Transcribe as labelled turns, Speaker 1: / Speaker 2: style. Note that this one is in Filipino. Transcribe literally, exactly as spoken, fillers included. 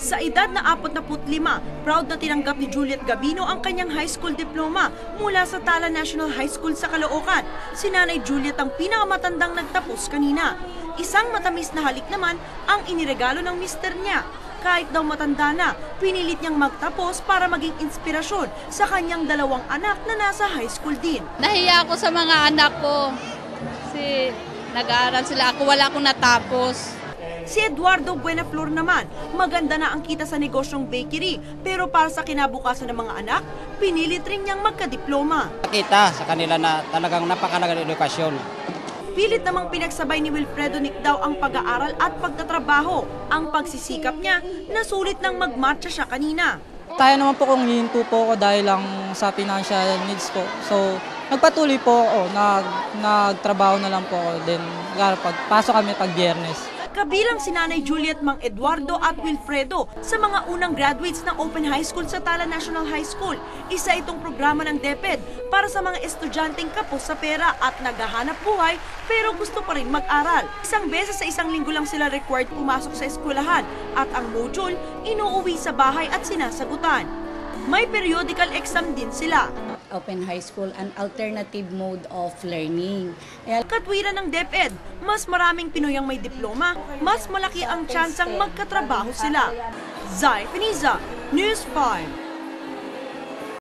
Speaker 1: Sa edad na apat na lima, proud na tinanggap ni Juliet Gabino ang kanyang high school diploma mula sa Tala National High School sa Caloocan. Si Nanay Juliet ang pinakamatandang nagtapos kanina. Isang matamis na halik naman ang iniregalo ng mister niya. Kahit daw matanda na, pinilit niyang magtapos para maging inspirasyon sa kanyang dalawang anak na nasa high school din.
Speaker 2: Nahiya ako sa mga anak ko kasi nag-aaral sila. Ako wala akong natapos.
Speaker 1: Si Eduardo Buenaflor naman, maganda na ang kita sa negosyong bakery, pero para sa kinabukasan ng mga anak, pinilit rin niyang magkadiploma.
Speaker 3: Nakita sa kanila na talagang napakalaga ng edukasyon.
Speaker 1: Pilit namang pinagsabay ni Wilfredo Nicdao ang pag-aaral at pagtatrabaho. Ang pagsisikap niya, nasulit nang magmatcha siya kanina.
Speaker 4: Kaya naman po kung hihinto po ako dahil lang sa financial needs ko. So, nagpatuloy po ako, nag, nagtrabaho na lang po ako. Then, pagpasok kami pag Biyernes.
Speaker 1: Kabilang si Nanay Juliet, Mang Eduardo at Wilfredo sa mga unang graduates ng Open High School sa Tala National High School. Isa itong programa ng DepEd para sa mga estudyanteng kapos sa pera at naghahanap buhay pero gusto pa rin mag-aral. Isang beses sa isang linggo lang sila required pumasok sa eskwelahan at ang module inuuwi sa bahay at sinasagutan. May periodical exam din sila.
Speaker 5: Open High School, an alternative mode of learning.
Speaker 1: Katwiran ng DepEd, mas maraming Pinoy ang may diploma, mas malaki ang tsansang magkatrabaho sila. Zai Piniza, News five.